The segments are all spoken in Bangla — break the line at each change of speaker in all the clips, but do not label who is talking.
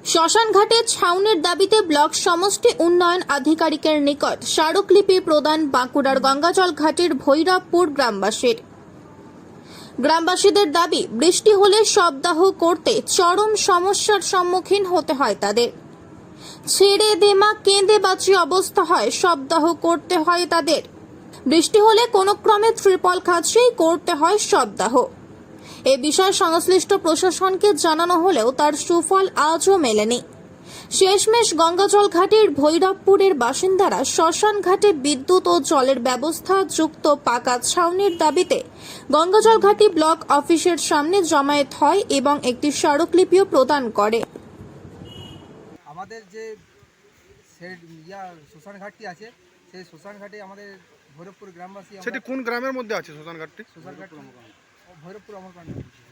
শ্মশানঘাটে ছাউনির দাবিতে ব্লক সমষ্টি উন্নয়ন আধিকারিকের নিকট স্মারকলিপি প্রদান বাঁকুড়ার গঙ্গাজল ঘাটের ভৈরবপুর গ্রামবাসীদের দাবি, বৃষ্টি হলে শবদাহ করতে চরম সমস্যার সম্মুখীন হতে হয় তাদের। ছেড়ে দেমা কেঁদে বাঁচি অবস্থা হয়, শবদাহ করতে হয় তাদের। বৃষ্টি হলে কোনো ক্রমে ত্রিপল খাঁচিয়েই করতে হয় শবদাহ। এ বিষয়ে সংশ্লিষ্ট প্রশাসনকে জানানো হলেও তার সুফল আজও মেলেনি। শেষমেশ গঙ্গাজল ঘাটের ভৈরবপুরের বাসিন্দারা শ্মশান ঘাটে বিদ্যুৎ ও জলের ব্যবস্থা যুক্ত পাকা ছাউনির দাবিতে গঙ্গাজল ঘাটি ব্লক অফিসের সামনে জমায়েত হয় এবং একটি স্মারকলিপিও প্রদান করে।
আমাদের যে শ্মশান ঘাটটি আছে, সেই শ্মশান ঘাটে আমাদের ভৈরবপুর গ্রামবাসী।
সেটি কোন গ্রামের মধ্যে আছে শ্মশান ঘাটটি?
শ্মশান ঘাট ভৈরবপুর অমরকাণ্ড।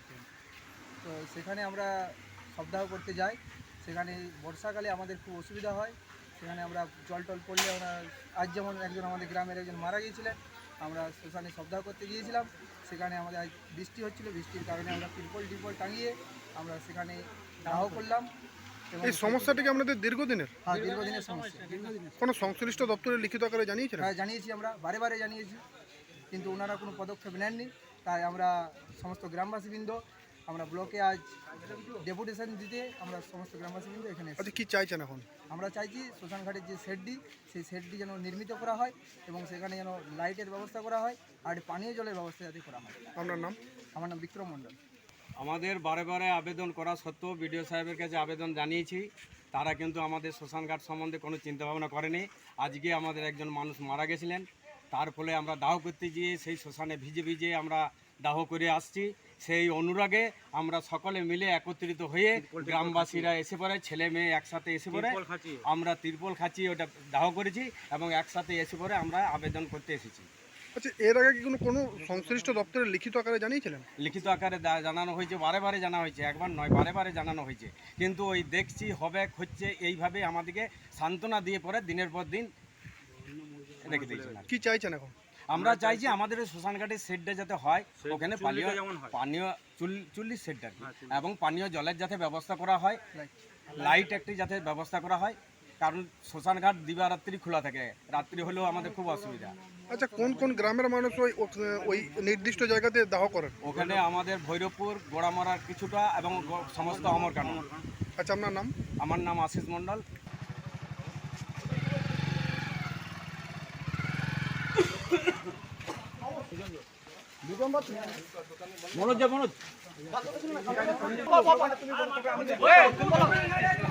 তো সেখানে আমরা শবদাহ করতে যাই। সেখানে বর্ষাকালে আমাদের খুব অসুবিধা হয়। সেখানে আমরা জল টল পড়লে আজ যেমন একজন আমাদের গ্রামের একজন মারা গিয়েছিলেন, আমরা শ্মশানে শবদাহ করতে গিয়েছিলাম। সেখানে আমাদের আজ বৃষ্টি হচ্ছিল, বৃষ্টির কারণে আমরা ত্রিপল টাঙিয়ে আমরা সেখানে দাহ করলাম।
এই সমস্যাটি কি আপনাদের দীর্ঘদিনের?
হ্যাঁ, দীর্ঘদিনের সমস্যা।
কোনো সংশ্লিষ্ট দপ্তরে লিখিত আকারে জানিয়েছিলেন?
হ্যাঁ, জানিয়েছি, আমরা বারে জানিয়েছি, কিন্তু ওনারা কোনো পদক্ষেপ নেননি। তাই আমরা সমস্ত গ্রামবাসীবৃন্দ আমরা ব্লকে আজ ডেপুটেশন দিতে আমরা সমস্ত গ্রামবাসীবৃন্দ এখানে এসেছি।
আচ্ছা, কি চাইছেন এখন?
আমরা চাইছি শ্মশান ঘাটের যে শেডটি, সেই শেডটি যেন নির্মিত করা হয় এবং সেখানে যেন লাইটের ব্যবস্থা করা হয় আর পানীয় জলের ব্যবস্থা যাতে করা হয়।
আপনার নাম?
আমার নাম বিক্রম মণ্ডল।
আমাদের বারে আবেদন করা সত্ত্বেও বিডিও সাহেবের কাছে আবেদন জানিয়েছি, তারা কিন্তু আমাদের শ্মশানঘাট সম্বন্ধে কোনো চিন্তাভাবনা করেনি। আজকে আমাদের একজন মানুষ মারা গেছিলেন, তার ফলে আমরা দাহ করতে গিয়ে সেই শ্মশানে ভিজে আমরা দাহ করে আসছি। সেই অনুরাগে আমরা সকলে মিলে একত্রিত হয়ে গ্রামবাসীরা এসে পড়ে, ছেলে মেয়ে একসাথে এসে পড়ে আমরা ত্রিপল খাঁচিয়ে ওটা দাহ করেছি এবং একসাথে এসে পড়ে আমরা আবেদন করতে এসেছি।
আচ্ছা, এর আগে কি কোনো সংশ্লিষ্ট দপ্তরে লিখিত আকারে জানিয়েছিলেন?
লিখিত আকারে জানানো হয়েছে, বারে জানা হয়েছে, একবার নয় বারে জানানো হয়েছে, কিন্তু ওই দেখছি হচ্ছে এইভাবে আমাদেরকে সান্ত্বনা দিয়ে পরে দিনের পর দিন রেখে দিয়েছে।
কি চাইছেন এখন?
আমরা চাইছি আমাদের শ্মশানঘাটের শেডটা যাতে হয়, ওখানে পানীয় চুল্লির শেডটা এবং পানীয় জলের যাতে ব্যবস্থা করা হয়, লাইট একটি যাতে ব্যবস্থা করা হয়, কারণ শ্মশানঘাট দিবারাত্রি খোলা থাকে, রাত্রি হলেও আমাদের খুব অসুবিধা।
আচ্ছা, কোন গ্রামের মানুষ ওই নির্দিষ্ট জায়গাতে দাহ করেন?
ওখানে আমাদের ভৈরবপুর, গোড়ামারার কিছুটা এবং সমস্ত অমরকাণ্ড।
আচ্ছা, আপনার নাম?
আমার নাম আশিস মণ্ডল। মনোজ